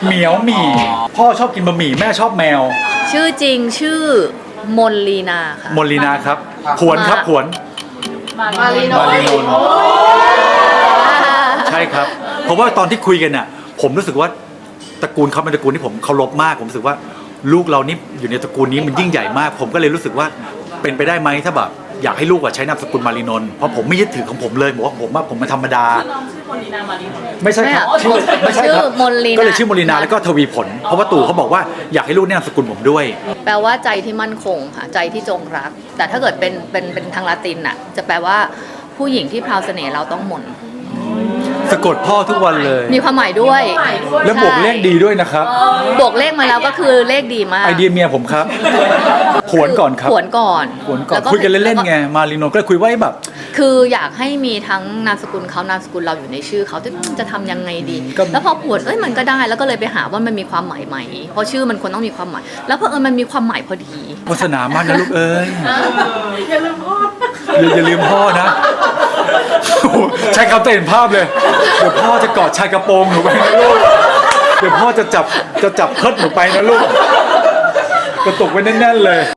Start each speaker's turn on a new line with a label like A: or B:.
A: เหมียวหมี่พ่อชอบกินบะหมี่แม่ชอบแมว
B: ชื่อจริงชื่อมนลีนาค่ะ
A: มนลีนาครับผวนครับผวน
C: มารีโน
A: มารีโนใช่ครับ เพราะว่าตอนที่คุยกันน่ะผมรู้สึกว่าตระกูลเขาเป็นตระกูลที่ผมเคารพมากผมรู้สึกว่าลูกเรานี่อยู่ในตระกูลนี้มันยิ่งใหญ่มาก ผมก็เลยรู้สึกว่าเป็นไปได้ไหมถ้าแบบอยากให้ลูกใช้นามสกุลมารีนนท์เพราะผมไม่ยึดถือของผมเลยบอกว่าผมมันธรรมดาไม่ใช่ครับชื่อไม่ใช่ครับ
B: ชื่อมนลีนา
A: ก็เลยชื่อมนลีนาแล้วก็ทวีผลเพราะว่าตู่เขาบอกว่าอยากให้ลูกเนี่ยนามสกุลผมด้วย
B: แปลว่าใจที่มั่นคงค่ะใจที่จงรัก แต่ถ้าเกิดเป็นทางละตินน่ะจะแปลว่าผู้หญิงที่พราวเสน่ห์เราต้องมน
A: สะกดพ่อทุกวันเลย
B: มีความหมายด้วย
A: แล้วบวกเลขดีด้วยนะครับ
B: บวกเลขมาแล้วก็คือเลขดีมาก
A: ไอเดียเมียผมครับผวนก่อนครับ
B: ผวนก่อน
A: ผวนก่อน
B: แล้ว
A: คุยกันเล่นๆไงมารีนนท์ก็เลยคุยว่าแบบ
B: คืออยากให้มีทั้งนามสกุลเขานามสกุลเราอยู่ในชื่อเขาจะทำยังไงดี แล้วพอผวนมันก็ได้แล้วก็เลยไปหาว่ามันมีความหมายไหมเพราะชื่อมันควรต้องมีความหมาย แล้วเพอมันมีความหมายพอดี
A: โฆษณามากนะลูกเอ้ย
C: อย่าลืมพ่อ
A: อย่าลืมพ่อนะโอ้โหใช้คำเห็นภาพเลย เดี๋ยวพ่อจะกอดชายกระโปรงหนูไปนะลูก เดี๋ยวพ่อจะจับเพิดหนูไปนะลูก กระตุกไว้แน่นๆเลย